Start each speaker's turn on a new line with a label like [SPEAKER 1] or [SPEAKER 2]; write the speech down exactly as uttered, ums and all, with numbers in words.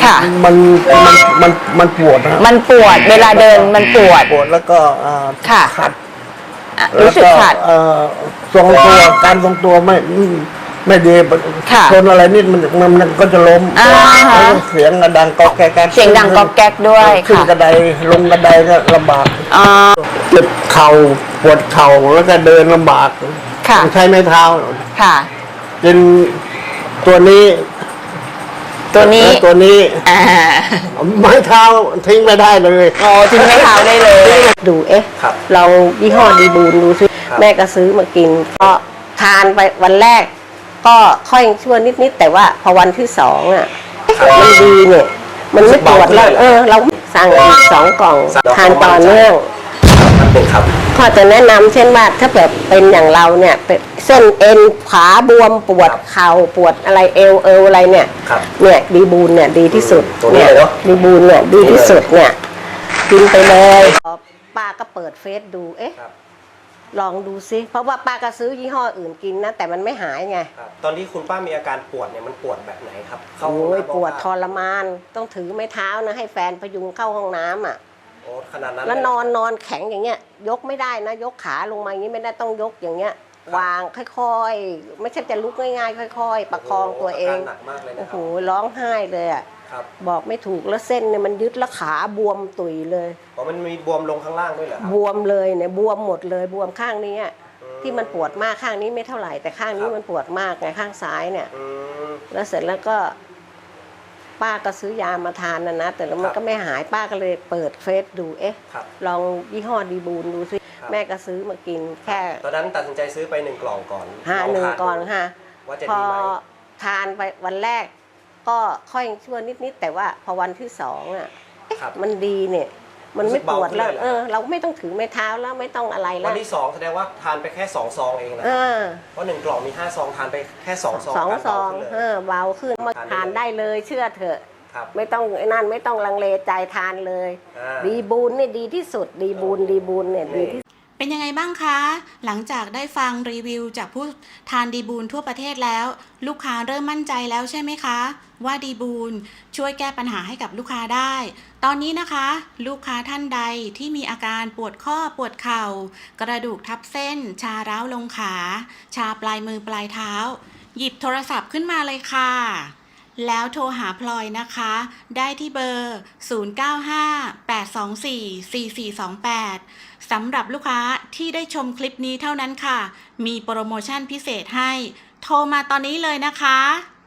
[SPEAKER 1] ค่ะ
[SPEAKER 2] มันมันมันมันปวดนะ
[SPEAKER 1] มันปวดเวลาเดินมันปวด
[SPEAKER 2] ปวดแล้วก็
[SPEAKER 1] ค่ะ
[SPEAKER 2] ขัด
[SPEAKER 1] รู้สึกขัด
[SPEAKER 2] ทรงตัวการทรงตัวไม่ไม่ดีชนอะไรนิดมันมันก็จะล้มเสียงดังก๊อกแก๊ก
[SPEAKER 1] เสียงดังก๊อกแก๊กด้วย
[SPEAKER 2] ขึ้นกระไดลงกระไดก็ลำบากเจ็บเข่าปวดเข่าแล้วก็เดินลำบากใช้ไม้เท้า
[SPEAKER 1] ค่ะ
[SPEAKER 2] เป็นตัวนี้
[SPEAKER 1] ตัวนี้
[SPEAKER 2] ตัวนี้ไม้เท้าทิ้งไม่ได้เลย
[SPEAKER 1] อ๋อทิ้งไม้เท้าได้เลย
[SPEAKER 3] ดูเอ๊ะเรายี่ห้อดีบูนดูซิแม่ก็ซื้อมากินก็ทานไปวันแรกก็ค่อยชั่วนิดๆแต่ว่าพอวันที่สองอ่ะมันดีเนี่ยมันไม่ปวดแล้วเออเราสั่งอีกสองกล่องทานต่อเนื่องข้อจะแนะนำเช่นว่าถ้าแบบเป็นอย่างเราเนี่ยเส้นเอ็นขาบวมปวดเข่าปวดอะไรเอวเอวอะไรเนี่ยเนี่ยดีบูนเนี่ยดีที่สุดเนี่ยดีบูนเนี่ยดีที่สุดเนี่ยกินไปเลยป้าก็เปิดเฟซดูเอ๊ะลองดูซิเพราะว่าป้าก็ซื้อยี่ห้ออื่นกินนะแต่มันไม่หายไง
[SPEAKER 4] ตอนที่คุณป้ามีอาการปวดเนี่ยมันปวดแบบไหนครับ
[SPEAKER 3] โอ้ยปวดทรมานต้องถือไม้เท้านะให้แฟนพยุงเข้าห้องน้ำอ่ะ
[SPEAKER 4] โอ้ขนาดนั้น
[SPEAKER 3] แล้วนอนนอนแข็งอย่างเงี้ยยกไม่ได้นะยกขาลงมาอย่างนี้ไม่ได้ต้องยกอย่างเงี้ยวางค่อยๆไม่ใช่จะลุกง่ายๆค่อยๆประคองตัวเองโอ้โหร้องไห้เลยอ่ะบอกไม่ถูกแล้วเส้นเนี่ยมันยึดแล้วขาบวมตุยเลย
[SPEAKER 4] อ๋อมันมีบวมลงข้างล่างด้วยเหรอบ
[SPEAKER 3] วมเลยเนี่ยบวมหมดเลยบวมข้างนี้ที่มันปวดมากข้างนี้ไม่เท่าไหร่แต่ข้างนี้มันปวดมากไงข้างซ้ายเนี่ยแล้วเสร็จแล้วก็ป้าก็ซื้อยามาทานนะนะแต่แล้วมันก็ไม่หายป้าก็เลยเปิดเฟซดูเอ๊ะลองยี่ห้อดีบูนดูซิแม่ก็ซื้อมากินแค่
[SPEAKER 4] ตอนนั้นตัดสินใจซื้อไปหนึ่งกล่องก่อน
[SPEAKER 3] ห้าหนึ่งก่อนค่ะพอทานไปวันแรกก็ค่อยชั่วนิดๆแต่ว่าพอวันที่สองอ่ะมันดีเนี่ยมันไม่ปวดแล้วเออเราไม่ต้องถือไม้เท้าแล้วไม่ต้องอะไรแล้ว
[SPEAKER 4] วันที่สองแสดงว่าทานไปแค่สองซองเองนะเพราะหนึ่งกล่องมีห้าซองทานไปแค่สองซอง
[SPEAKER 3] สองซองเออเบาขึ้นมาทานได้เลยเชื่อเถอะไม่ต้องไอ้นั่นไม่ต้องลังเลใจทานเลยดีบูนนี่ดีที่สุดดีบูนดีบูนเนี่ยดีที่
[SPEAKER 5] เป็นยังไงบ้างคะหลังจากได้ฟังรีวิวจากผู้ทานดีบูนทั่วประเทศแล้วลูกค้าเริ่มมั่นใจแล้วใช่ไหมคะว่าดีบูนช่วยแก้ปัญหาให้กับลูกค้าได้ตอนนี้นะคะลูกค้าท่านใดที่มีอาการปวดข้อปวดเข่ากระดูกทับเส้นชาร้าวลงขาชาปลายมือปลายเท้าหยิบโทรศัพท์ขึ้นมาเลยค่ะแล้วโทรหาพลอยนะคะได้ที่เบอร์ ศูนย์ เก้า ห้า แปด สอง สี่ สี่ สี่ สอง แปด สำหรับลูกค้าที่ได้ชมคลิปนี้เท่านั้นค่ะมีโปรโมชั่นพิเศษให้โทรมาตอนนี้เลยนะคะ